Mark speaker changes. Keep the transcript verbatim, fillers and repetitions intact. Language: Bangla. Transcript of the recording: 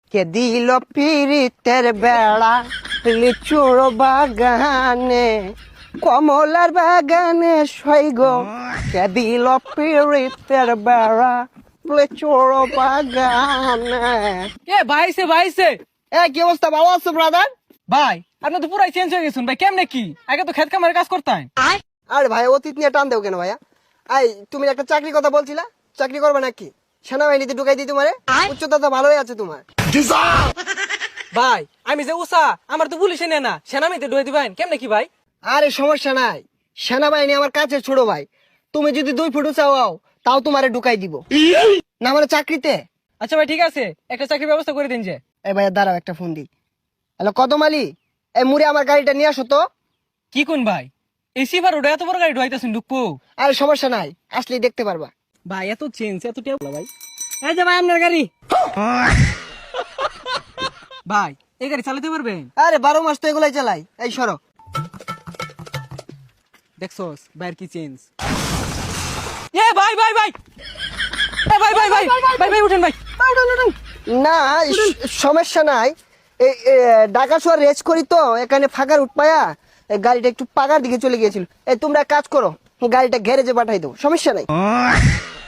Speaker 1: কে দিল পিরিতের বেড়া লিচুর বাগানে কমলার বাগানে সৈগ কে দিল পিরিতের বেড়া লিচুর বাগানে।
Speaker 2: এ ভাইছে ভাইছে
Speaker 1: এ কি অবস্থা, ভালো আছো ব্রাদার?
Speaker 2: ভাই আপনি তো পুরাই চেঞ্জ হয়ে গেছেন ভাই, কেমনে কি? আগে তো খেত কামারে কাজ করতেন।
Speaker 1: আরে ভাই অতীত নিয়ে টান দেও কেন ভাইয়া? আই তুমি একটা চাকরির কথা বলছিলা, চাকরি করবে নাকি? সেনাবাহিনীতে ঢুকাই দিই তোমারে, উচ্চতা তো ভালোই আছে তোমার।
Speaker 2: ভাই আমি যে উষা, আমার তো পুলিশে নেয় না, সেনামিতে ঢুয়ে দিবেন কেমনে কি ভাই?
Speaker 1: আরে সমস্যা নাই, সেনাবাহিনী আমার কাছে ছোট ভাই। তুমি যদি দুই ফুট উঁচা হও তাও তোমারে ঢুকাই দিব না মানে চাকরিতে।
Speaker 2: আচ্ছা ভাই ঠিক আছে, একটা চাকরির ব্যবস্থা করে দিন যে।
Speaker 1: এই ভাইয়া দাঁড়াও একটা ফোন দিই। হ্যালো কদম আলী, এই মুড়ে আমার গাড়িটা নিয়ে আসো তো।
Speaker 2: কি কোন ভাই, এই সিভার ওটা এত বড় গাড়ি ঢুয়াইতেছেন ঢুকবো?
Speaker 1: আরে সমস্যা নাই, আসলেই দেখতে পারবা।
Speaker 2: ভাই এত চেঞ্জ এত টেবলা ভাই। এই যে ভাই আপনার গাড়ি। ভাই এই গাড়ি চালাতে পারবেন?
Speaker 1: আরে বারো মাস তো এগুলাই চালাই। এই সরো।
Speaker 2: দেখছস ভাইয়ের কি চেঞ্জ। এ ভাই ভাই ভাই এ ভাই ভাই ভাই ভাই ভাই উঠেন ভাই।
Speaker 1: না স- সমস্যা নাই। এই এ, ঢাকা শহর রেস করি তো, এখানে ফাঁকার উঠপায়া এই গাড়িটা একটু পাকার দিকে চলে গিয়েছিল। এই তোমরা এক কাজ করো, গাড়িটা গ্যারেজে পাঠাই দাও, সমস্যা নাই।